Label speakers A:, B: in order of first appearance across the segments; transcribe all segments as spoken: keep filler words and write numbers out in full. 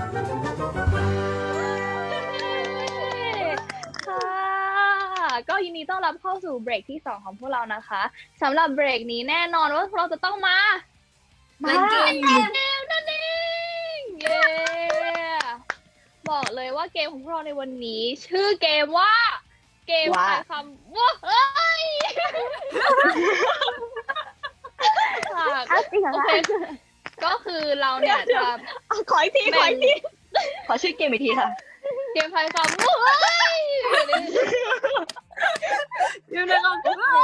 A: ค่ะก็ยินดีต้อนรับเข้าสู่เบรกที่สองของพวกเรานะคะสำหรับเบรกนี้แน่นอนว่าพวกเราจะต้องมามาเกมนั่นเองเย้บอกเลยว่าเกมของพวกเราในวันนี้ชื่อเกมว่าเกมทายคำว่าเฮ้ยค่ะโอเคก็คือเราเนี่ยจะ
B: ขออีกทีขออีกทีขอชื่อเกมอีกทีค่ะ
A: เกมทายคำว่าเฮ้ย
B: อยู่ในเรา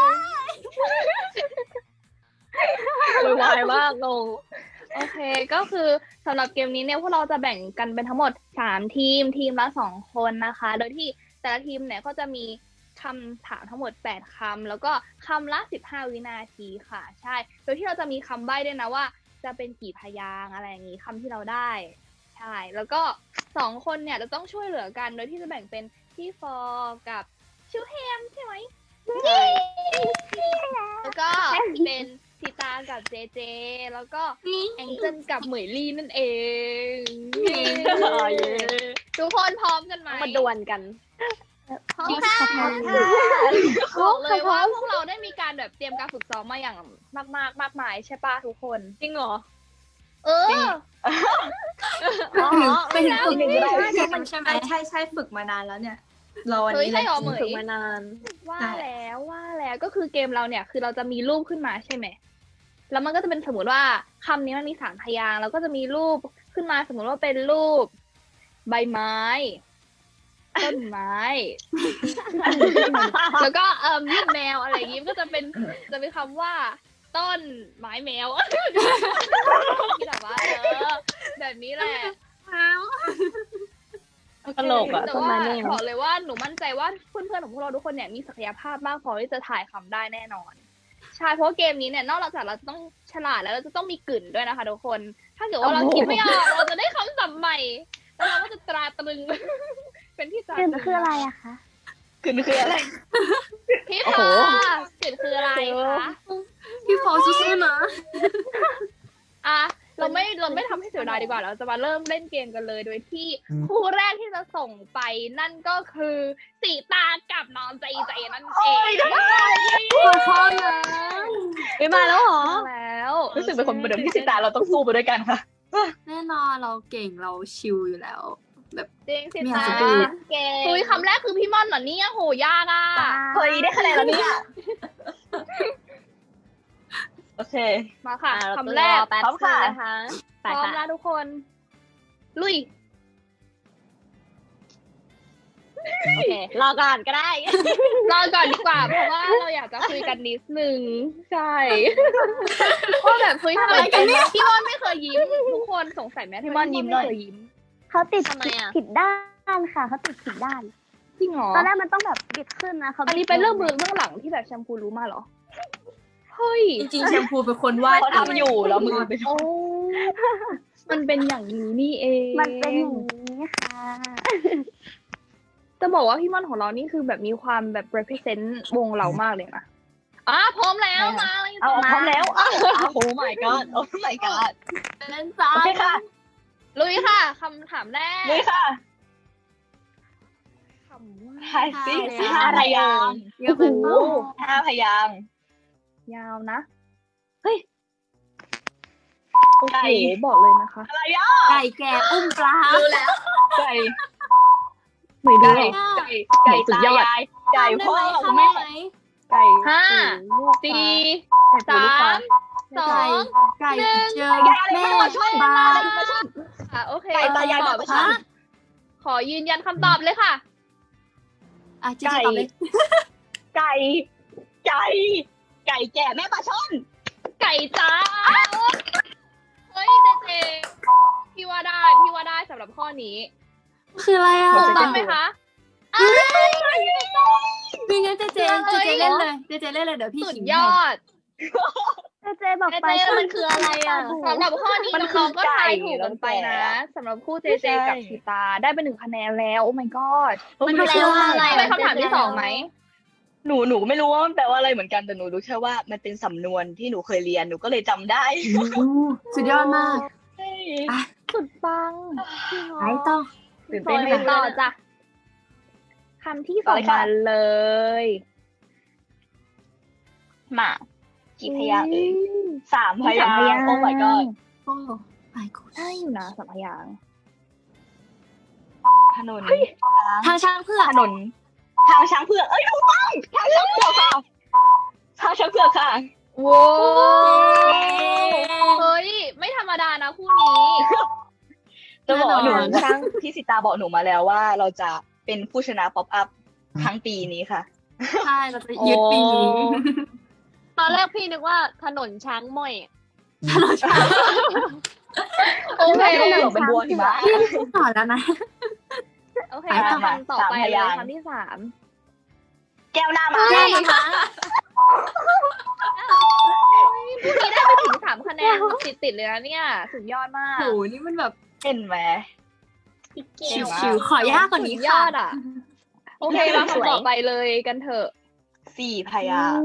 B: วายมากงง
A: โอเคก็คือสำหรับเกมนี้เนี่ยพวกเราจะแบ่งกันเป็นทั้งหมดสามทีมทีมละสองคนนะคะโดยที่แต่ละทีมเนี่ยก็จะมีคำถามทั้งหมดแปดคำแล้วก็คำละสิบห้าวินาทีค่ะใช่โดยที่เราจะมีคำใบ้ด้วยนะว่าจะเป็นกี่พยางค์อะไรอย่างนี้คำที่เราได้ใช่แล้วก็สองคนเนี่ยจะต้องช่วยเหลือกันโดยที่จะแบ่งเป็นพี่ฟอร์กับชิวแฮมใช่ไหมแล้วก็เป็นสีตากับเจเจแล้วก็แองเจิลกับเหมยลี่นั่นเองทุกคนพร้อมกันไหม
B: มาดวลกัน
A: พร้อมค่ะบอกเลยว่าพวกเราได้มีการแบบเตรียมการฝึกซ้อมมาอย่างมากมากมากมายใช่ป่ะทุกคน
B: จริงเหรอ
A: เออ
B: อ๋อเป็นฝึก
C: ใช่มันใช่ไหมใช่ใช่ฝึกมานานแล้วเนี่ยเราอันนี้
A: ฝึกมานานว่าแล้วว่าแล้วก็คือเกมเราเนี่ยคือเราจะมีรูปขึ้นมาใช่ไหมแล้วมันก็จะเป็นสมมติว่าคำนี้มันมีสามพยางค์แล้วก็จะมีรูปขึ้นมาสมมติว่าเป็นรูปใบไม้ต้นไม้แล้วก็เอ่อรูปแมวอะไรอย่างงี้ก็จะเป็นจะเป็นคำว่าต้นไม้แมวที่แบบว่าเออแบบนี้แหละ
B: ตลกอ่ะ
A: แต่ว่าบอกเลยว่าหนูมั่นใจว่าเพื่อนๆของพวกเราทุกคนเนี่ยมีศักยภาพมากพอที่จะถ่ายคำได้แน่นอนใช่เพราะเกมนี้เนี่ยนอกจากเราจะต้องฉลาดแล้วเราจะต้องมีกลิ่นด้วยนะคะทุกคนถ้าเกิดว่าเราคิดไม่ออกเราจะได้คำศัพท์ใหม่แล้วเราก็จะตราตรึงเป็นที่
D: กลิ่นคืออะไรอะคะ
B: กลิ่นคืออะไร
A: พี่พอ กลิ่นคืออะไรคะ
C: พี่พอสู้ๆนะ
A: อ่ะเราไม่เราไม่ทำให้เสียดายดีกว่าเราจะมาเริ่มเล่นเกมกันเลยโดยที่คู่แรกที่จะส่งไปนั่นก็คือสีตากับน้องใจใจนั่นเอง
C: ขอโทษนะ
B: ไม่มาแล้วเหรอ
A: แล้ว
B: รู้สึกเป็นคนเหมือนพี่สีตาเราต้องสู้ไปด้วยกันค่ะ
C: แน่นอนเราเก่งเราชิลอยู่แล้วแบบ
A: จริงสีตาเก่งคุยคำแรกคือพี่ม่อนเหรอเนี่ยโหยากอ่ะ
B: เฮ้ยได้คะแนนแล้วเนี่ยโอเค
A: มาค่ะคำแรก
B: พร้อมค่ะ
A: พร้อมแล้วทุกคนลุย
B: โอเครอก่อนก็ได้
A: รอก่อนดีกว่าเพราะว่าเราอยากจะคุยกันนิดนึงใช่เพราะแบบคุยทำไมกันเนี่ยพี่ม่อนไม่เคยยิ้มทุกคนสงสัยไหมพี่ม่อนยิ้มไม่เคยยิ้ม
D: เขาติดผิดด้านค่ะเขาติดผิดด้าน
A: จริงเหรอ
D: ตอนแรกมันต้องแบบบิดขึ้นนะเขา
A: อันนี้เป็นเรื่องเบื้องเบื้องหลังที่แบบแชมพูรู้มาเหรอเฮ้ย
C: จริงๆแชมพูเป็นคนวาด
B: เขาทำอยู่แล้วมือไป
A: โอ้มันเป็นอย่างนี้นี่เอง
D: มันเป็นอย่างนี้ค่ะ
A: จะบอกว่าพี่ม่อนของเรานี่คือแบบมีความแบบ represent วงเรามากเลยนะอ่ะพร้อมแล้วมาเลย
B: เอาพร้อมแล้วอ้าวโอ้ my god โอ้ my god
C: เล่นซ้าย
B: โอเคค่ะ
A: ลุยค่ะคำถามแรก
B: ลุยค่ะ
A: คำว่า
B: ทายสิห้าพยางค์โอ้โหห้าพยางค์
A: ยาวนะเฮ้ยโอเคบอกเลยนะคะ
B: อะไรอ่ะ
C: ไก่แก่อุ้มปลา
B: รู้แล้วไก่
A: ไม่ได้
B: ไก่ไก่สุดยอดไก่พ่อแม่ไก่
A: ห้าสี่สามสอง
C: ไก่เจอแม่ปลา
A: อ่ะโอเค
B: ไก่ตายายตอบค่ะ
A: ขอยืนยันคำตอบเลยค่ะ
C: อ่ะจิ๊บตอบเลย
B: ไก่ไก่ไก่แก่แม่ปลาช่อน
A: ไก่จ้าเฮ้ยเจเจพี่ว่าได้พี่ว่าได้สำหรับข้อนี้
C: คืออะไรอ่ะ
A: ถูกต้องไหมคะ
C: มีงั้นเจเจเจเจเล่นเลยเจเจเล่นเลยเดี๋ยวพี่
A: สุดยอด
D: เจเจบอกไป
A: มันคืออะไรอ่ะสำหรับข้อนี้น้องก็ทายถูกกันไปนะสำหรับคู่เจเจกับชีตาได้ไปหนึ่งคะแนนแล้วโอ้ my god
C: มันแปลว่าอะไร
A: เป็นคำถามที่สองไหม
B: หนูหนูไม่รู้ว่ามันแปลว่าอะไรเหมือนกันแต่หนูรู้แค่ว่ามันเป็นสำนวนที่หนูเคยเรียนหนูก็เลยจำได้
C: สุดยอดมาก
A: สุดปัง
C: ไปต่อ
B: ตื่น
A: ต่
B: เต้
A: อน
B: ไหม
A: เลยต่อจ้ะคำที่สองมาเลย
B: มากี่พยางค์เอ่ย
A: อืม
B: สามพ
A: มีสาม
B: ยาง
A: พ
B: ค์
A: ยาง
B: โอ้ my god
C: โอ้ไปกู
A: ได้อยู่นะสามพยางค์
B: ถนน
C: ทางช้างเพื่อก
B: ถนนทางช้างเผือกเอ้ยถูกต้องทางช้างเผือกค่ะทางช้างเผือกค่ะ
A: โว้เฮ้ย ไม่ธรรมดานะคู่นี้
B: จะบอกหนู
A: แน่นอน
B: ช่างพี่สิตาบอกหนูมาแล้วว่าเราจะเป็นผู้ชนะป๊อปอัพทั้งปีนี้ค่ะ
C: ใช่เราจะยึดปีนี้
E: ตอนแรกพี่นึกว่าถนนช้างม่อย
C: ถนนช้าง
A: โอเค
B: ไม่ต้องเป็นบัวหิมะ
C: พี่ต้องต่อแล้วนะ
A: โอเค
C: ไปต่อ
A: คำต่อไป
B: สามพ
A: เลย
B: างค์
A: คำที่สาม
B: แก้วหน้ามา
C: ใช่ค่ะ
A: คู่นี้ได้ไปถึงสามคะแนนติดติดๆเลยนะเนี่ย สุดยอดมาก
C: โหนี่มันแบบ
B: เห็นไหม
C: ชิวๆขอยากกว่านี้
A: สุดย
C: ค่ะ
A: อดอ่ะ โอเคมาคำต่อไปเลยกันเถอะ
B: สี่พยางค์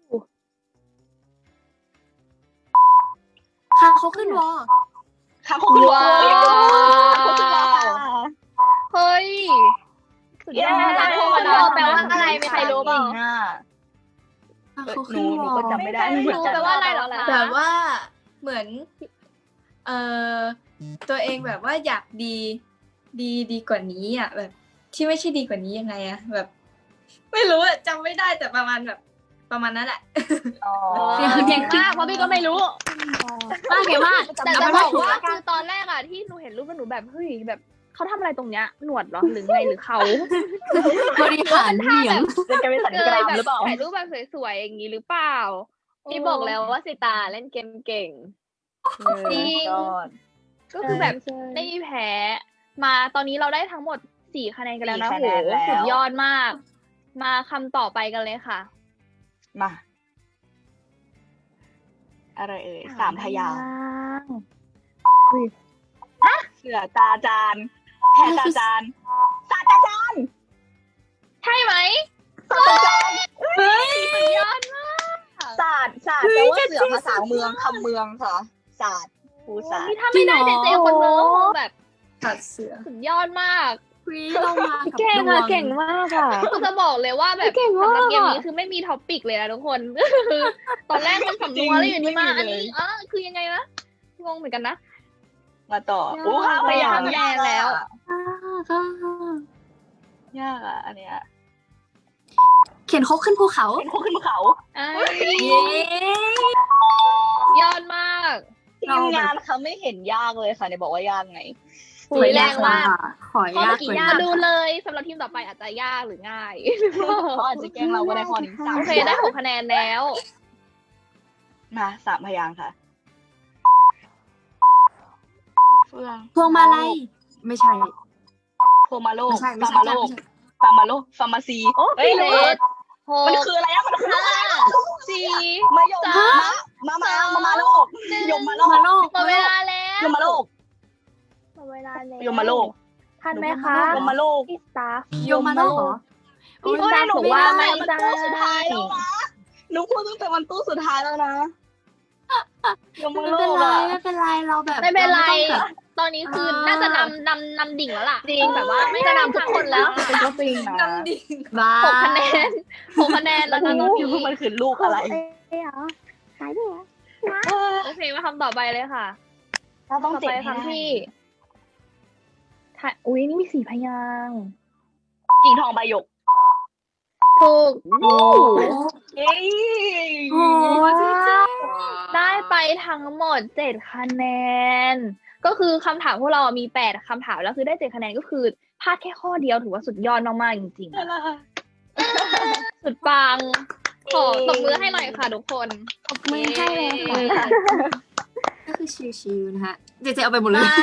C: ค่ะเขาขึ้นวอ
B: ค่ะเขาขึ้น
A: ว้าว
B: เขาขึ้นมาค่ะ
A: เฮ้ย สุดยอด
B: เย้
A: นะธรรมดาแปลว่าอะไรมีใครรู้เปล่า
B: อ่ะ
C: ค่ะ
B: เออ
C: เขา
B: ห
C: ขึ้
B: นู
C: น
B: ห
C: ว
B: นู
C: อ
B: ก็จำไม่ได้
A: ไม่
B: เหมือน
A: รู้
B: กัน
A: แปลว่าอะไรเหรอคะ
C: แบบว่าเหมือน เอ่อตัวเองแบบว่าอยากดี ดีดีกว่านี้อ่ะ แบบ ที่ไม่ใช่ดีกว่านี้ยังไงอะแบบ ไม่รู้อะจำไม่ได้แต่ประมาณแบบ ประมาณนั้นแหละ
B: อ๋อ
A: เก่งมากเพราะพี่ก็ไม่รู้
C: มากเก่งมาก
A: แต่จะบอกว่าคือตอนแรกอะที่หนูเห็นรูปแล้วหนูแบบเฮ้ยแบบเขาทำอะไรตรงเนี้ยหนวดเหรอหรือไงหรือเขา
C: บริหารเหนียง
B: จะกลายเป็นสัน
A: เก
B: กราย ม
A: แบบ
B: หรือเปล่า
A: ถ่ายรูปแบบสวยๆอย่างนี้หรือเปล่า
E: พี่บอกแล้วว่าสิตาเล่นเกมเก่ง
A: จริง
B: ยอด
A: ก็คือแบบ
E: ใช่
A: ไม่มีแพ้ มาตอนนี้เราได้ทั้งหมดสี่คะแนนกันแล้วนะ
B: สี่
A: โห
B: คะแนนแล้ว
A: สุดยอดมาก มาคำต่อไปกันเลยค่ะ
B: มา อะไรเอ่ยสามพยางค์
A: ค์
B: เสือตาจานแพรตาจานศาสตราจารย์
A: ใช่ไหม
B: ศาสตราจารย์
C: เฮ้ย
A: สุดยอดมาก
B: ศาสตร์ศาสตร์แปลว่าเสือภาษาเมืองคำเมืองค่ะศาสตร์ภูศาสต
A: นี่
B: ร์
A: ถ้าไม่ได้เจเจคนเมืองก็คงแบบ
C: ตัดเสือ
A: สุดยอดมาก
C: วีเรามากับ
E: เก่ง
C: ดว
E: อะ
C: ง
E: เก่งมากอะ
A: คือจะบอกเลยว่าแบบ
E: เก่งมาก
A: สำหรับเกมนี้คือไม่มีท็อปปิกเลยนะทุกคน คือตอนแรกมันสำนวนแล้วอยู่ดีมาอันนี้อ๋อคือยังไงนะงงเหมือนกันนะ
B: มาต่ออู้ห้าพยางค์
A: แย่แล้ว
C: อ่าค่ะ
B: ยากอ่ะอันเนี้ย
C: เขียนคกขึ้นภูเขา
B: เป็นคุกขึ้นภูเขา
A: อ่า
C: เย้
A: ยอดมาก
B: ทีมงานเขาไม่เห็นยากเลยค่ะเนี่ยบอกว่ายากไง
A: สวยแรงมาก
C: ขอ
A: ข้อย
C: าก
A: เมื่อกี้าก
C: กว่ายนี้
A: ดูเลยสำหรับทีมต่อไปอาจจะยากหรือง่าย
B: เขาอาจจะแกล้งเราก็ได้ข้อนี้สาม
A: โอเคได้หกคะแนนแล้ว
B: มาสามพยางค์ค่ะเฟือง
C: พวงมาลัยไม่ใช่
B: พวงมาโลก
C: ไม่ใช่ไม่
B: ฟา
C: ใช่
B: ร์มาโลก
C: ไม่ใช่
B: ฟาร์มาโลกฟาร์มาซี
A: เฮ้ยเลดห
B: มัน
A: ก
B: คืออะไรอะมันคืออะไร
A: ห้า
B: อะ
A: สี่
B: มายม
A: สาม
B: มามามามามาโลกยมมาโล
C: มาก โลก
A: หมดเวลาแล้ว
B: ยมมาโลก
A: หมดเวลาแล้ว
B: ยมมาโลก
A: ทันไหมคะ
B: ยมมาโลก
A: พี่สตาฟ
C: โยมมาโลกเหรอ
A: พี่
B: โอ้
A: สตาย ฟ
B: หนู
A: บอก
B: ไม่
A: ว่า
B: ได้
A: ไม่
B: มัน
A: ได้
B: ตู้สุดท้ายแล้วนะหนูพูดตั้งแต่มันตู้สุดท้ายแล้วนะยมมา
C: ไม่
B: โล
C: เป็น
B: ก
C: ไร
B: อะ
C: ไม่เป็นไรเราแบบ
A: ไม่เป็นไร
C: าต้องแบบ
A: ตอนนี้คือ
C: อ่า
A: น่าจะนำนำนำดิ่งแล้วล่ะ
E: จริง
A: แบบว่าไม่ได้นำทุกคนแล้ว
B: เป็นก็จริงนะ
C: น้ำดิ่งบ้า
A: หกคะแนนหกคะแนนแล้วนะตอนนี้
B: มันคือลูกอะไร
D: เอ้ยเหรอหายไปเหรอ
A: โอเคมาคำต่อไปเลยค่ะ
B: เราต้อง
A: ต่อ
B: เจ็บ
A: ไป
B: ให้ได้
A: คำที่ถ้าอุ้ยนี่มีสี่พยางค์
B: กิ่งทองใบหยก
A: ถูก
C: โอ้
B: เย้
C: โหจริง
A: ได้ไปทั้งหมดเจ็ดคะแนน ก็คือคำถามพวกเรามีแปดคำถามแล้วคือได้เจ็ดคะแนนก็คือพลาดแค่ข้อเดียวถือว่าสุดยอดมากๆจริงๆอะสุดปัง ขอตบมือให้หน่อยค่ะทุกคน
D: ตบมือให้เลยค่ะ
C: ก็คือชิวๆนะฮะเจเจเอาไปหมดเลย
A: มา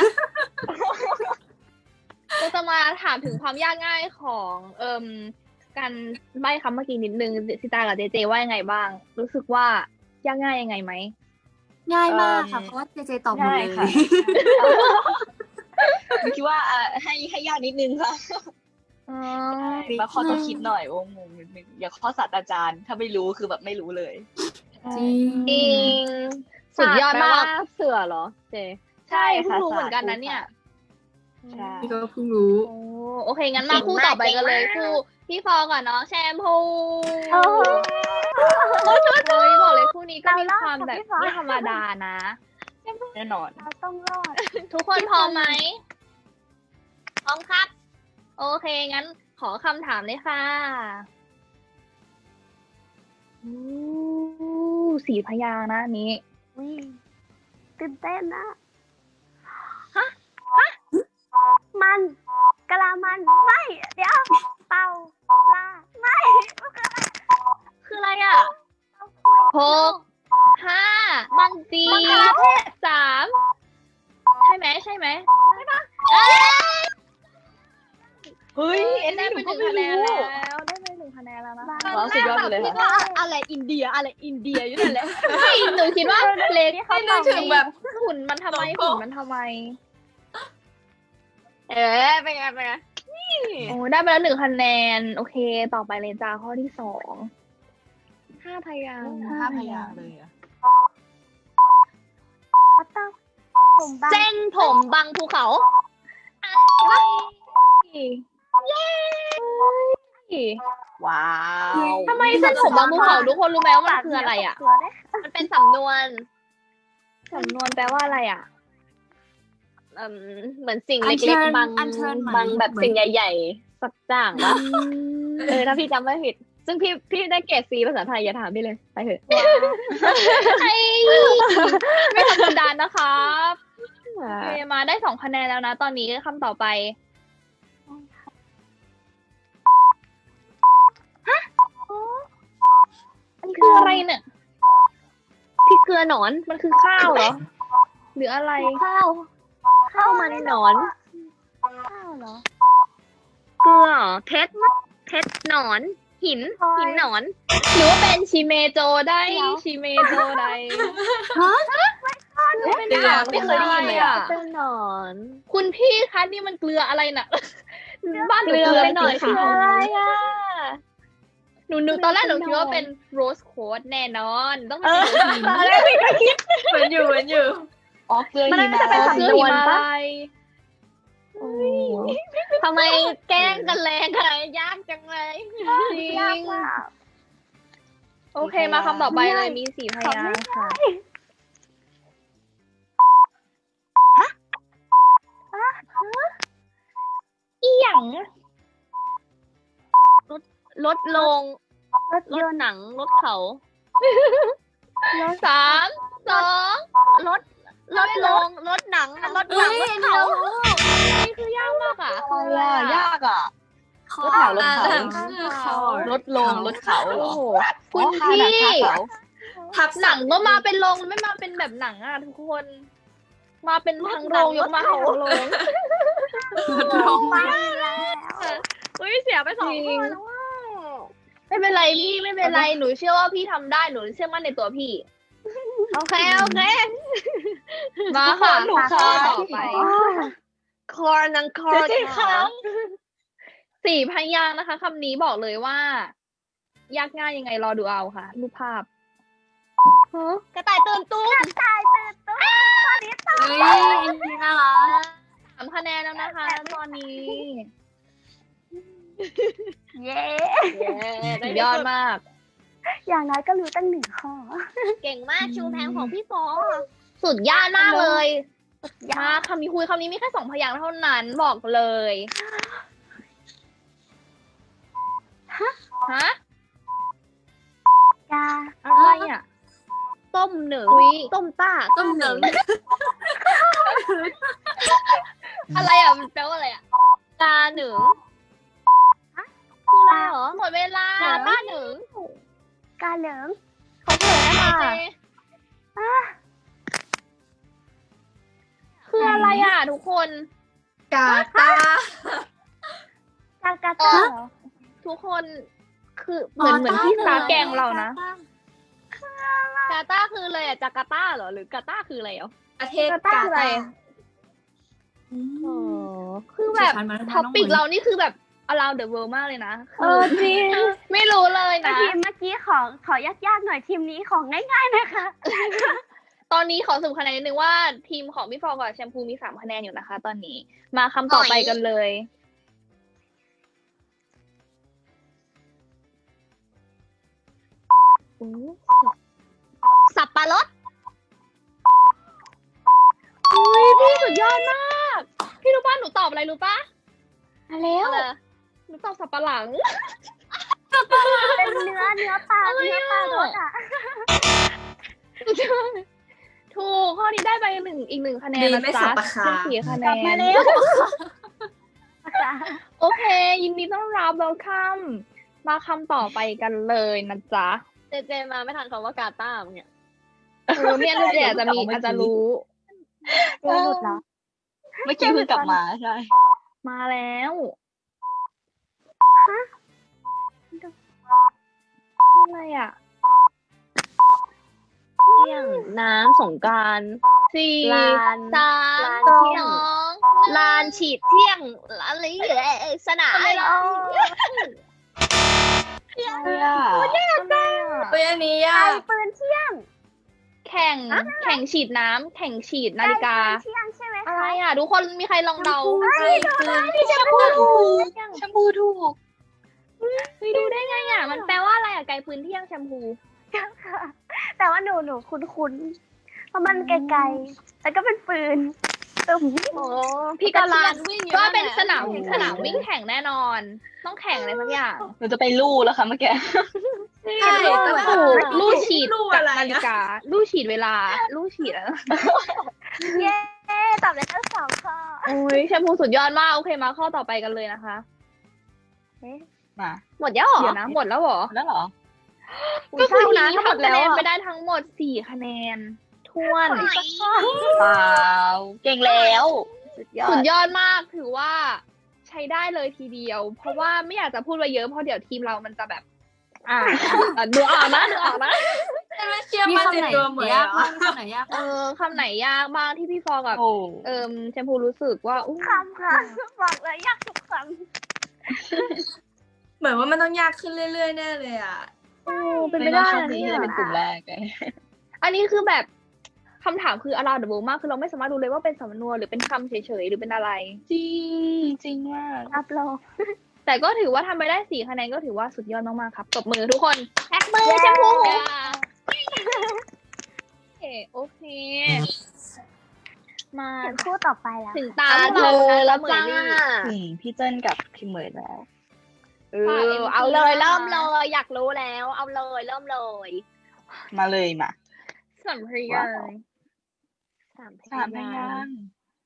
A: เราจะมาถามถึงความยากง่ายของเอ่มการใบ้คำเมื่อกี้นิดนึงสิตากับเจเจว่ายังไงบ้าง รู้สึกว่ายากง่ายยังไงไหม
C: ง่ายมากค่ะ เพราะว่าเจเจตอบหมด
B: ง่า
C: เลย ย
B: ค่ะคิดว่าอ่ะให้ให้ยากนิดนึงค่ะ
A: อ๋อ
B: มาข้อต้องคิดหน่อยโอ้งงนิดนึงอย่าข้อศาสตราจารย์ถ้าไม่รู้คือแบบไม่รู้เลย
C: จริง
A: จริงสุดยอดมาก
E: แปลว่เสือเหรอ เจ
A: ใช่เพิ่งรู้เหมือนกันนะเนี่ย
B: ใช่
C: พี่ก็เพิ่งรู้
A: โอ้โอเค งั้นมาคู่ต่อไปกันเลยคู่พี่ฟอกับน้องแชมพู
D: โอ้โห
A: โอ้ยบอกเลยคู่นี้ก็มี
D: เรารอด
A: ความ
D: กับ
A: แบบ
D: พี่ฟอ
A: ไม่ธรรมดานะ
B: แน่นอน
D: เราต้องรอด
A: ทุกคนพร้อมไหม
E: พร้อมครับ
A: โอเค งั้นขอคำถามเลยค่ะอู้สี่พยางค์นะอันนี้
D: วิตื่นเต้นนะ
A: ฮะ
D: มันกะลามันไม่ เดี๋ยว เป่าปลาไม่
A: คืออะไรอ่ะหกห้า
E: มังจี
A: สี่สามใช่ไหมใช่ไหมใช่ปะเอ้ย
B: เฮ้ยเอ็น
A: ได้
B: นี่ห
A: ไป
B: นู
A: ห
B: ก็
A: นึ่ง
B: ไม่
A: คะแนน
B: รู้
A: แล้ว ได้ไปหนึ่งคะแนนแล้วนะคะ
B: ว้าวสุดยอดไปเลย
E: พี่
B: ค่ะ
E: ก็อะไรอินเดียอะไรอินเดียอยู่นั่นแหละ
A: ไม่หนูคิดว่าเล็ก
C: ไม่นึกถึงแบบ
A: หุ่นมันทำไม
C: โลโก้
A: หุ่นมันทำไม
E: เอ๊ะเป็นไงเป็นไง
A: โอ้ได้ไปแล้วหนึ่งคะแนน โอเค ต่อไปเลยจ้าข้อที่สองห้าพยางค์
B: ห้าพยางค์เลยอะ
D: ก็ต้องผมบาง
E: เส้นผมบังภูเขา
A: เย้
B: ว้าว
A: ทำไมเส้นผมบางภูเขาทุกคนรู้ไหมว่ามันคืออะไรอ่ะ
D: ตัวได้
E: มันเป็นสำนวน
A: สำนวนแปลว่าอะไรอ่ะ
E: เอิ่มเหมือนสิ่ง
C: อัญเชิ
E: เล็ก
C: ญ
E: ๆบาง
C: อัญเชิญไหม
E: บางแบบ
C: เหมือน
E: สิ่งใหญ่ๆสักอย่างวะเออถ้าพี่จำไม่ผิด ซึ่งพี่พี่ได้เกรดซีภาษาไทยอย่าถามพี่เลยไปเถอะ
A: ไอ้ไม่ธรรมดานะครับโอเคมาได้สองคะแนนแล้วนะ ตอนนี้คำต่อไป ฮะอันนี้คืออะไรเนี่ย
E: พี่เกลือหนอน
A: มันคือข้าวเหรอ หรืออะไร
E: ข้าวข้าวมันหนอน
D: ข้าวเหรอ
E: เกลือเพชรเพชรหนอน หิน
D: พลอย
E: หินหนอน
A: หรือว่าเป็นชิเมโจได้
D: เดี๋ยว
A: ชิเมโจได้
B: เกลือไม่เคยได้ยินเลยอะ
E: เป็นหนอน
A: คุณพี่คะนี่มันเกลืออะไรน่ะ บ้านหนู
E: เกลือไปหน่อย
A: สี
E: คือ
A: ขาว
E: อะไรอ่ะ
A: หนูนึกตอนแรกหนูคิดว่าเป็นโรสโคดแน่นอน ต้องเป็นเกลือหิน
C: ตอนแรกพี่ก็คิดเหมือนอยู่เหมือนอยู่
B: อ๋อเกลือ
E: มัน
B: หิ
E: น่าจะเป็น
B: มะ
E: สำ
A: เกลือหิมาลัย
E: ทำไมแกล้งกันแรงอะไรยากจังเลย
A: จริ
D: ยาก
A: ง
D: มาก
A: โอเคมาคำต่อไปเลยมีสี่พยางค์ค่ะ อีหยัง
E: รถลง
D: รถ
E: ร
D: ย
E: ถ
D: นต์
E: หนัง รถเขา
A: สามสอง
E: รถ รถลง รถหนัง รถหนัง รถเขา
A: นี่คือยากมากอ่ะ
B: อะไรอะยากอ่ะ รถเขารถเขา
C: อ่คือเขา
B: รถลงรถเขาเหร
A: โอ้
B: อ
A: โห
B: คุ
A: คุณ ณ
B: พี่
A: พี่
C: ทับ
A: หนังก็มาเป็นโรงไม่มาเป็นแบบหนังอ่ะทุกคน มาเป็นทั้งโรงยกมาทั้งโรง
C: รถลง
D: ไปแล้ว
E: อุ้ยเสียไปสอง
A: จริ
E: ค
A: ง
E: นแล้วว่า
A: ไม่เป็นไรพี่ไม่เป็นไรหนูเชื่อว่าพี่ทำได้หนูเชื่อมั่นในตัวพี่
E: โอเค โอเค
A: มาค่ะ
B: หนู
A: ข้อ
B: ค่ะ
A: ต่อไป
E: คอร์นังคอร์
B: เจ๊ๆค่ะ
A: สี่พยางค์นะคะคำนี้บอกเลยว่า ยากง่ายยังไงรอดูเอาค่ะ รูปภาพ
E: กระต่ายตื่นตุ้ม
D: ตายตื่นตัวข้อนี้ตอบ
C: เฮ้ยอินดีน่ารัก
A: สามคะแนนแล้วนะคะ ตอนนี้
D: เย้
A: สุดยอดมาก
D: อย่างน้อยก็รู้ตั้งหนึ่งข้อ
E: เก่งมากชูแพงของพี่ฟอ
A: สุดยอดมากเลยมาคำนี้คุยคำนี้มีแค่สองพยางค์เท่านั้นบอกเลย ฮะ
D: กา
A: อะไรอ่ะ
E: ต้มหนึ่ง
A: อุ๊ย
E: ต้มต้า
C: ต้มหนึ่ง
A: อะไรอ่ะมันแปลว่าอะไรอ่ะ
E: กาหนึ่ง
A: คืออะไรเหรอหมดเวลาก
E: าต้าหนึ่ง
D: กาเหลิง
A: เขาเผยแล้วค่ะคืออะไรอ่ะทุกคน
C: กาตา
D: กากาตาเหรอ
A: ทุกคนคือเหมือนเหมือนที่ซาแกงเรานะ
E: กาตาคืออะไรอะจาการ์ตาเหรอ หรือกาตาคืออะไรเหรอ
C: ประเทศ
A: กาตาคืออะไร
C: อืม
A: คือแบบ
C: ดิฉันมาแล้วนะ
A: ท็อปปิก
C: น้องหมวย
A: เรานี่คือแบบ around the world มากเลยนะ
D: เออจริง
A: ไม่รู้เลย
D: แต่
A: นะ
D: ทีมเมื่อกี้ขอขอยากๆหน่อยทีมนี้ของง่ายๆนะคะ
A: ตอนนี้ขอสรุปคะแนนนิดนึงว่าทีมของพี่ฟองกับแชมพูมีสามคะแนนอยู่นะคะ ตอนนี้มาคำต่อไปกันเลยอู้
E: สับปะรด
A: อุ้ยพี่สุดยอดมาก พี่รู้ป่ะหนูตอบอะไรรู้ป่ะ
E: มาแล้ว
A: หนูตอบสับปะหลัง
D: เป็นเนื้อเนื้อปลา
A: อะไร
D: เนื้อ
A: อะ
D: ปลารสอ่ะ
A: ถูกข้อนี้ได้ไปหนึ่งอีกหนึ่งคะแนน
C: ดี
A: นะ
C: ไม่
A: จ๊ะ
C: สับปะคา
A: เป็นสี่คะแน
D: กลับมาน แล้ว
A: โอเค ยินดีต้อนรับ welcome มาคำต่อไปกันเลยนะจ๊ะ
E: เจเจมาไม่ทันคำว่ากาตาร์เนี่ย
A: เออเนี่ยเจอาจจะมีอาจจะรู้
D: เจ๊หลุดแล้ว
B: เมื่อกี้เพิ่งกลับมาใช่
A: มาแล้วอะไรอ่ะ
E: เที่ยงน้ำสงกรานต์
A: สี่
E: ลาน
A: สาม
E: ลาน
A: ส
E: เที่ยง
A: อง
E: ลานฉีดเที่ยงอะไรเอ่ยสนาม
A: อะไรล่ะ
B: อะไรอ่ะ
C: เฮ้ยอันนี้ยา
D: ไอ้
C: ก
D: ปืนเที่ยง
A: แข่งแข่งฉีดน้ำแข่งฉีดนาฬิกา
D: ไอ้ปืนเที่ยงใช่ไหม
A: อะไร
D: คะ
A: อ่ะ ทุกคนมีใครลองเดา
C: ใช่คือ
B: แชมพูถูกแชมพูถูก
A: เฮ้ยดูได้ไงอ่ะ มันแปลว่าอะไรอ่ะไกลปืนเที่ยงแชมพู
D: แต่ว่าหนูหนูคุ้นๆเพราะมันไกลๆแล้วก็เป็นปืนตึม
E: โอ้
A: พี่ก็
E: ลา
A: ลาน
E: นวิ่งอยู่
A: ก็
E: นั่นแหละ
A: เป็นสนามสนามวิ่งแข่งแน่นอน ต้องแข่งอะไรสักอย่าง
B: หนูจะไปลู่แล้วค่ะเมื่อกี้
C: ใช่
A: ถูกลู่ฉีด
C: ลู่
A: กับ
C: อะไร
A: นาฬิ
C: อะ
A: กาลู่ฉีดเวลาลู่ฉีดอะไร
D: เย้ตอบได้ทั้งสองข้อ
A: โอ้ยแชมพูสุดยอดมาก โอเคมาข้อต่อไปกันเลยนะคะ
B: มา
E: หมดแล้วเหรอ
A: เดี๋ยวนะหมดแล้วเหรอ
B: แล้วเหรอ
A: ก็คือที
E: นะ
A: นี้
E: หมด
A: ทำ
E: แล้
A: คะ
E: ว
A: แนน
E: อะ
A: ไปได้ทั้งหมดสี่คะแนนท้วน
B: เปล่า เก่งแล้ว
E: สุดยอ
A: สุ
E: ด
A: ดยอดมากถือว่าใช้ได้เลยทีเดียว เพราะว่าไม่อยากจะพูดไปเยอะเพราะเดี๋ยวทีมเรามันจะแบบ อ่าอ่ะดูออกนะดูออกนะ
C: ไม่เชื่อมั่นในตัวเหมือน
F: ยาก
C: เหรอ
F: มากคำไหนยาก
A: เออคำไหนยากมากที่พี่ฟองกับ
B: โอ้
A: เอิมแชมพูรู้สึกว่าอู้
D: คำค่ะบอกเลยยากทุกค
C: เหมือนว่ามันต้องยากขึ้นเรื่อยๆแน่เลยอ่ะ
A: โอ้เป็นไป
B: ไม่น่า
A: ได้
B: โชค
A: นะ
B: ดี
A: เนี่
B: ที่
A: ย
B: จะเป็นกลุ่มแรกเลย
A: อันนี้คือแบบคำถามคือ around the world มากคือเราไม่สามารถรู้เลยว่าเป็นสำนวนหรือเป็นคำเฉยๆหรือเป็นอะไร
B: จริง จริงมาก
D: ำรับรอง
A: แต่ก็ถือว่าทำไปได้สี่คะแนนก็ถือว่าสุดยอดมากๆครับตบมือทุกคนแท็กมือแชมพูโอเคโอเค มา
D: ถึงคู่ต่อไปแล้ว
A: ถึงตา
E: ตา
A: พวก
E: เธ
A: เรา
E: อ
A: แล้ว
E: แล้ว
A: นะ
E: จ้า
B: อืมพี่เจิ้นกับพี่เหมยแล้ว
E: เออเอาเลยเริ่มเลยอยากรู้แล้ว เอาเลยเริ่มเลย
B: มาเลยมา
A: สัมภาระ
E: สามพ
B: สามพ
E: ยาย
B: าง
E: งค์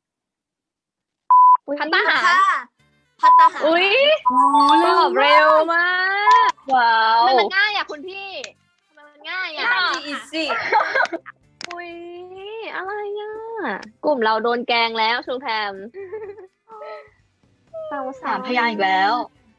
B: ค์
A: พัตตาหาร
C: ค่ะพัตตาหาร
A: อุ้ยตอบเร็วมาก
B: ว้า
E: ทำ
B: ว
E: ไมมันง่ายอ่ะคุณพี่ทำไมมันง่ายอ่ะ
C: อีซี่
E: อุ้ยอะไรอ่ะกลุ่มเราโดนแกล้งแล้วชูแพมเศร้า
B: สามพยางค์อีกแล้ว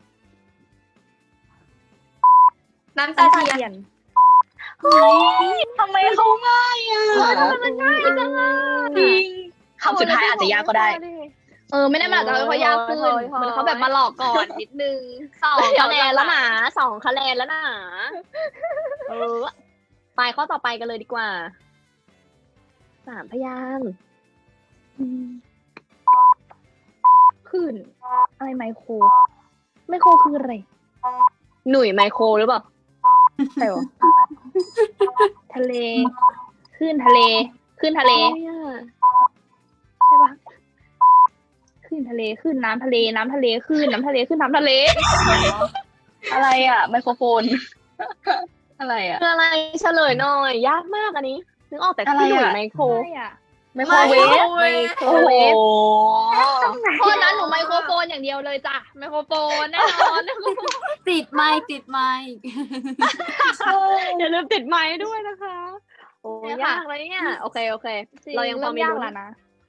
C: น้ำตา
A: ตา
C: เทียน
A: เทียน
B: ทำไมเขาง่ายอ่ะ
A: มันง่ายจังอ่ะ
B: จริงคำสุดท้ายอาจจะยากก็ได้
A: เออไม่ได้มาจากเขายากขึ้นเหมือนเขาแบบมาหลอกก่อนนิดนึง
E: สองคะแนนแล้วนะสองคะแนนแล้วนะเออไปข้อต่อไปกันเลยดีกว่าสามพยางค์
A: ขึ้นอะไรไมโครไมโครคืออะไร
E: หนุ่ยไมโครหรือเปล่า
A: ใช่หรอทะเลขึ้นทะเลขึ้นทะเลใช่ปะขึ้นทะเลขึ้นน้ำทะเลน้ำทะเลขึ้นน้ำทะเลขึ้นน้ำทะเล
B: อะไรอ่ะ ไมโครโฟน อะไรอ่ะ
E: คืออะไรเฉลยหน่อย ยากมากอันนี้นึกออกแต่
B: อะไร
E: ที่หนุ่ย
B: อะ
E: ไมโคร
A: ใช่อ่ะ
B: ไมโครเวฟ
E: ไมโคร
B: โอ้โห
E: เวฟ
A: โทษนะหนูไมโครโฟนอย่างเดียวเลยจ้ะไมโครโฟนแน่นอน
F: ติดไมค์ติดไมค์
E: อย่าลืมติดไม้ด้วยนะคะ โอ้
A: เนี่ย
E: ยา
A: ค่ะ
E: กเลยเนี่ยโอเคโอเค เรายังพอมี
A: เริ่ยาก
E: ลุ้น
A: แล้วนะ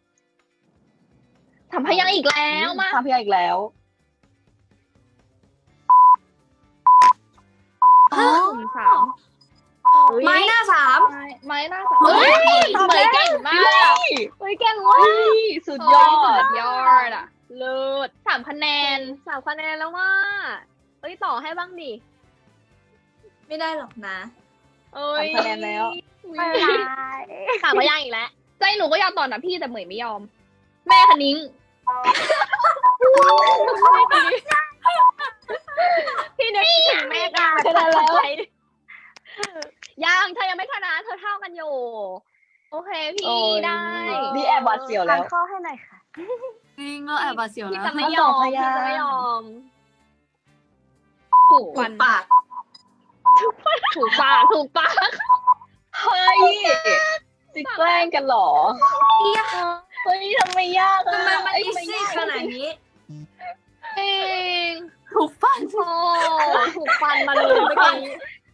A: ทำพยางค์อีกแล้วมา
B: สามพยางค์อีกแล้ว
A: หนึ่งสาม
C: ไม้หน้าสาม
A: ไม้ไม้หน้าสามเฮ้ยเหมยเก่งมากเฮ้ยเก่งมาก
B: เฮ้ยสุดยอ
A: สุ
B: ด
A: ดยอดอ่ะ
E: เลิศ
A: สามคะแนน
E: สามคะแนนแล้วว่าเอ้ยต่อให้บ้างดิ
C: ไม่ได้หรอกนะ
E: เอ้ย
B: สามคะแนนแล้ว
D: ไม่เป็นไร
E: สามพยางค์อีกแล้ว
A: ใจหนูก็อยากตอบนะพี่แต่เหมยไม่ยอม แม่คณิ้ง
E: พี่นึกถึงแม่กา
A: ชนะแล้ว
E: ยังเธอยังไม่ชนะเธอเท่ากันอยู่
A: โอเค
B: โอ้
A: พี่
B: ย
A: ได้
B: นี่แอบหวาดเสียว
D: อ่า
B: แล้
D: น
B: ว
D: ข้อให้หน่อยค่ะ
F: จริงเราแอบบาดเสียว
E: พี่
F: นะ
E: จะไม่ย
B: ส
E: อ
B: อง
E: ม
B: พ
E: พี่
B: ยางค์
E: จะไม่ยอม
A: ถูก
C: ถู
A: ฟั
C: ก
A: น
C: ปาก
A: ถูกปากถูกปาก
B: เฮ้ยจิแกล้งกันเหรอ เฮ้ยทำไมยากอะ
C: ทำไมมัน
B: เอ้ย
C: อี
B: ทำไม
C: ซี่
B: ยาก
C: ขนาดนี้
A: เอง
F: ถูกฟัน
A: โอ้
E: ถูกฟันมาเลยเมื่อกี้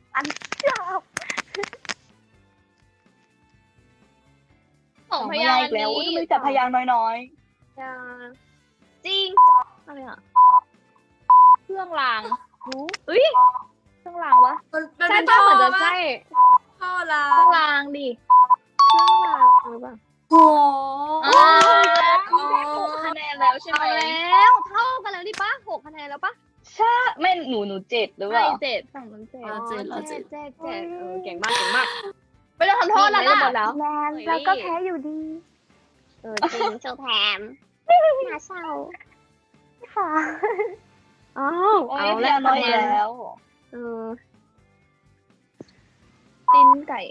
A: สอง
B: สอง
A: พ
B: พ
A: ยาย
B: าง
A: ง
B: ค์
A: ค์
B: อีกแล้ว
A: นี้
B: อุ้ยทำไมแต่พยางค์น้อย
E: จริงอะไรอ่ะ
A: เครื่องรางอุ้ยเครื่องรางวะ
C: มันมัน
E: ใช่
C: เป็น
E: ป้า
C: ท่อ
E: เหมือนจะ
C: ปะ
E: ใช่
C: ท่อลา
A: เครื่องรางดิ
E: เครื่องรางหรือเปล่า
F: โอ้
A: อ๋อหกคะแนนแล้วใช่ไหม
E: เอาแล้วเท่ากันแล้วดิป้าหกคะแนนแล้วป้า
B: ๆใช่ไม่หนูหนูเจ็ดหรือเป
A: ไม่
B: ล่า
A: เจ็ดฝั่งนั้นเจ็ด
F: เราเจ็ดเราเจ็ด
E: เจ็ดเจ็ดเออเก่งมากเก่งมาก
A: ไม่ต้องทำโทษแล้ว
E: ได้
A: นะ
E: หมดแล้ว
D: แมนเราก็แพ้อยู่ดี
E: เออจริงเจ้าแถมน่าเศร้า
D: ค่ะ
E: อ้าว
B: โอ้ย
E: เอา
B: พ
E: แล้ว
B: ยางค์น้อยแล้ว
E: เออ
A: ลิ้นไก่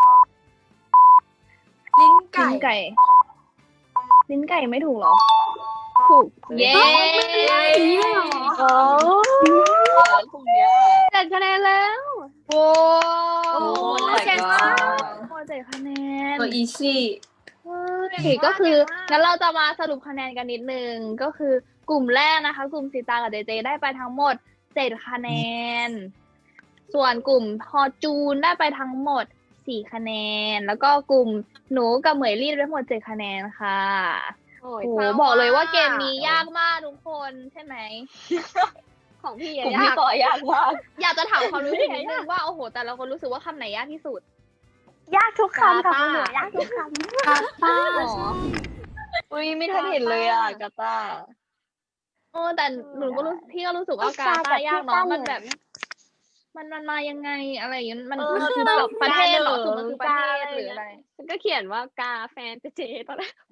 C: ลิ้น
A: ลิ้
C: ไก่
A: นไก่ ลิ้นไก่ไม่ถูกเหรอ ถูก เย้
E: โอ้
B: พวกเนี้ย
E: เจ็ดคะแนนแล้ว
A: โอ้
B: โอ้
A: ย
B: my
A: เก่ง
B: god
A: มากโอ้เจ็ดคะแนน
C: ตัวอีซี่
A: เฮ้ยก็คืองั้นเราจะมาสรุปคะแนนกันนิดนึง ก็คือกลุ่มแรกนะคะ กลุ่มสีตางกับเจเจได้ไปทั้งหมดเจ็ดคะแนน ส่วนกลุ่มพอจูนได้ไปทั้งหมดสี่คะแนน แล้วก็กลุ่มหนูกับเหมยลี่ได้ทั้งหมดเจ็ดคะแนนค่ะ
E: โอ้ย
A: โอ้โห
E: ศร้
A: บอกเลยว่าเกมนี้ยากมากทุกคนใช่ไหม
E: ของพี่
B: กลุ่ม
E: อะ
B: ที่
E: ยาก
B: ต่อยากมาก
A: อยากจะถามความรู้สึกนิดนึงว่าโอ้โห แต่ละคนรู้สึกว่าคำไหนยากที่สุด
D: ยากทุกคำค่ะคุณหนูยากทุกคำ
F: กาตา
A: หรอ
B: อุ้ยไม่ทันเห็นเลยอ่ะกาตาร์
A: เออแต่หนูก็รู้พี่ก็รู้สึกว่ากาตาร์ยากเนาะมันแบบ มันมันมายังไงอะไรอย่างเงี้ยมัน
E: เออ
A: มันคือแบบประเทศเหรอคือมันคือประเทศหรืออะไร
E: ฉันก็เขียนว่ากาแฟนเจเจตอนแรก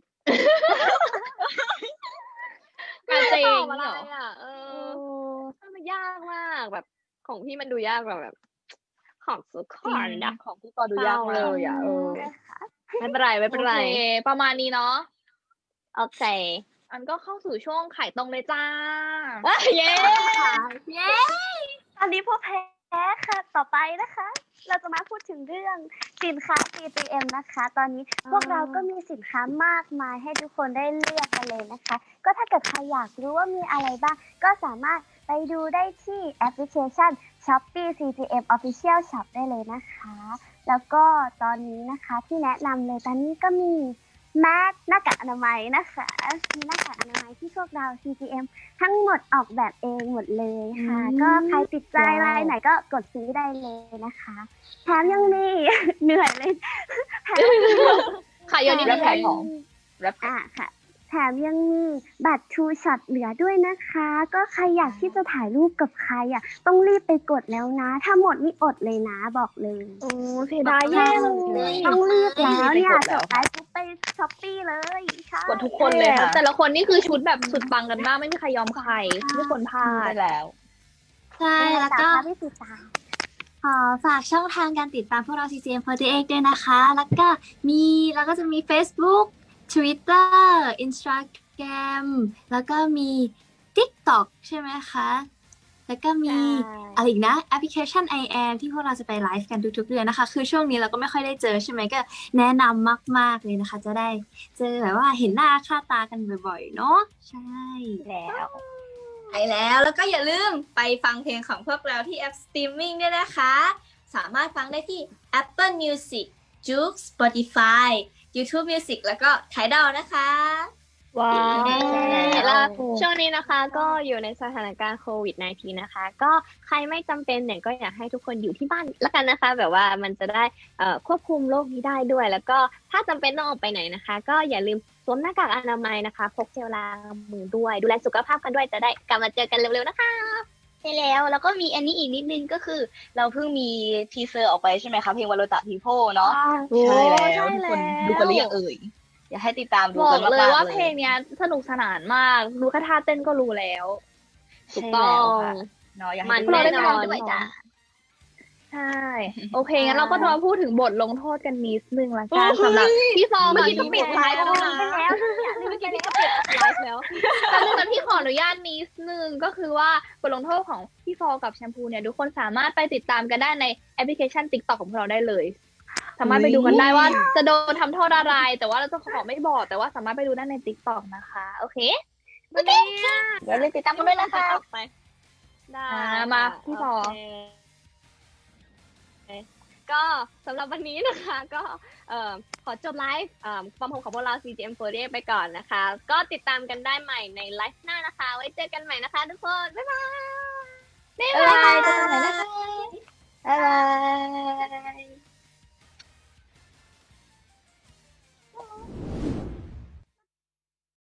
A: กาเจ
E: ต
A: ง
E: อบอะไร
A: เหรอ
E: อ่ะเออมันยากมากแบบของพี่มันดูยากกว่าแบบ ของสุขอนนะ
B: ของพี่ปอดูยากมาก
E: เลยอ่ะเออไม่เป็นไรไม่เป็นไร
A: โอเคประมาณนี้เนาะ
E: โอเค
A: อันก็เข้าสู่ช่วงไข่ตรงเลยจ้า
E: เย้
F: เย้
D: อันนี้พวกแพ้ค่ะ ต่อไปนะคะ เราจะมาพูดถึงเรื่องสินค้า ซี จี เอ็ม นะคะ ตอนนี้พวกเราก็มีสินค้ามากมายให้ทุกคนได้เลือกกันเลยนะคะ ก็ถ้าเกิดใครอยากรู้ว่ามีอะไรบ้าง ก็สามารถไปดูได้ที่แอปพลิเคชัน Shopee ซี จี เอ็ม Official Shop ได้เลยนะคะ แล้วก็ตอนนี้นะคะที่แนะนำเลยตอนนี้ก็มีแมสหน้ากากอนามัยนะคะมีหน้ากากอนามัยที่พวกเรา ซี จี เอ็ม ทั้งหมดออกแบบเองหมดเลยค่ะ
A: อืม
D: ก็ใครติดใจรายไหนก็กดซื้อได้เลยนะคะแถมยังมี เหนื่อยเลยแถมยังมี
A: ขายเยอะนิดนึง
B: แรปขายของ แรป
D: อ่ะค่ะ แถมยังมีบัตร True Shot เหลือด้วยนะคะ ก็ใครอยากที่จะถ่ายรูปกับใครอ่ะ ต้องรีบไปกดแล้วนะ ถ้าหมดนี่อดเลยนะบอกเลย
A: โอ้เสียดายแย่เลย
D: ต้องรีบแล้วเนี่ย
B: ต้องรีบไปกดแล้
D: จ
B: ว
D: บไลฟ์ปุ๊บไปช้อปปี้เลยใช่
B: กดทุกคนเลยค่ะ
A: แต่ละคนนี่คือชุดแบบสุดปังกันมากไม่มีใครยอมใครไม่ควรพลา
B: ใช่
A: ด
B: แล้ว
F: ใช่แล้วก็
D: พี่ติดตาม
F: ขอฝากช่องทางการติดตามพวกเรา ซี จี เอ็ม สี่สิบเอ็ด ด้วยนะคะ แล้วก็มีเราก็จะมี Facebook Twitter Instagram แล้วก็มี TikTok ใช่ไหมคะ แล้วก็มีอะไรอีกนะแอปพลิเคชัน ไอ แอม ที่พวกเราจะไปไลฟ์กันทุกๆเดือนนะคะ คือช่วงนี้เราก็ไม่ค่อยได้เจอใช่ไหมก็แนะนำมากๆเลยนะคะ จะได้เจอแบบว่าเห็นหน้าค่าตากันบ่อยๆเนาะใช่
B: แล้ว
C: ไปแล้วแล้วก็อย่าลืมไปฟังเพลงของพวกเราที่แอปสตรีมมิ่งด้วยนะคะ สามารถฟังได้ที่ Apple Music, Joox, Spotify, YouTube Music แล้วก็ Tidal นะคะ
E: ว้าว
B: เย้
E: แล้วช่วงนี้นะคะก็อยู่ในสถานการณ์โควิด สิบเก้า นะคะ ก็ใครไม่จำเป็นเนี่ยก็อยากให้ทุกคนอยู่ที่บ้านแล้วกันนะคะ แบบว่ามันจะได้เอ่อควบคุมโรคนี้ได้ด้วย แล้วก็ถ้าจำเป็นต้องออกไปไหนนะคะ ก็อย่าลืมสวมหน้ากากอนามัยนะคะพกเจลล้างมือด้วย ดูแลสุขภาพกันด้วยจะได้กลับมาเจอกันเร็วๆนะคะ
B: ใช่แล้วแล้วก็มีอันนี้อีกนิดนึงก็คือ เราเพิ่งมีทีเซอร์ออกไปใช่ไหมคะเพลงวาโลตะพีโพเนาะ
A: โอ้
B: ใช่แล้ว
A: ใช่
B: ทุกคน
A: แล้ว
B: ดูกันหรือยังเอ่ยอยากให้ติดตามดู
A: บอ
B: กั
A: ก
B: นมากๆ
A: เลยว่า
B: เลย
A: เพลงเนี้ยสนุกสนานมากดูแค่ท่าเต้นก็รู้แล้ว
E: ถูก
B: ใช่
E: ต้อ
B: แล้ว
E: ง
B: ค่ะเนาะอยาก
E: มั
B: ให้
E: น
B: ทุกคน
A: เราได้
B: ได้
A: ไป
B: ไป
A: ล
B: ล
A: อ
B: อง ง
A: ด้
B: ด้
A: ว
B: วย ย
A: จ้ะ
B: จ้ะ
A: ใช่ โอเคงั้นเราก็จะมาพูดถึงบทลงโทษกันนิดนึงละกันสำหรับพี่ฟอง
E: เมื่อ
A: กับ
E: กี้ก็
A: พี่
E: ปิด
A: แพ
E: ไล
A: ร
E: ฟ์แล้วนะ
D: ไปแล้วเนี่ย
E: เมื่อกี้พี่ก็ปิดไลฟ์แล้ว
A: แป๊บนึงนะพี่ขออนุญาตนิดนึงก็คือว่าบทลงโทษของพี่ฟองกับแชมพูเนี่ยทุกคนสามารถไปติดตามกันได้ในแอปพลิเคชัน TikTok ของพวกเราได้เลย สามารถไปดูกันได้ว่าจะโดนทำโทษอะไร แต่ว่าเราจะขอไม่บอกแต่ว่าสามารถไปดูได้ใน TikTok นะคะ โอเค
B: เดี๋ยวเล่นติดตามกันด้วยนะคะ
E: ได้
A: อ่ามาพี่ฟอ
E: โเคก็สำหรับวันนี้นะคะ ก็เอ่อขอจบไลฟ์เอ่อความของของพวกเรา ซี จี เอ็ม โฟร์ตี้ ไปก่อนนะคะ ก็ติดตามกันได้ใหม่ในไลฟ์หน้านะคะ ไว้เจอกันใหม่นะคะทุกคน บ๊ายบาย
A: บ๊าย
B: บ๊าย
A: บา
B: บาย
A: ย
B: เจอกันใหม่นะคะบ๊ายบาย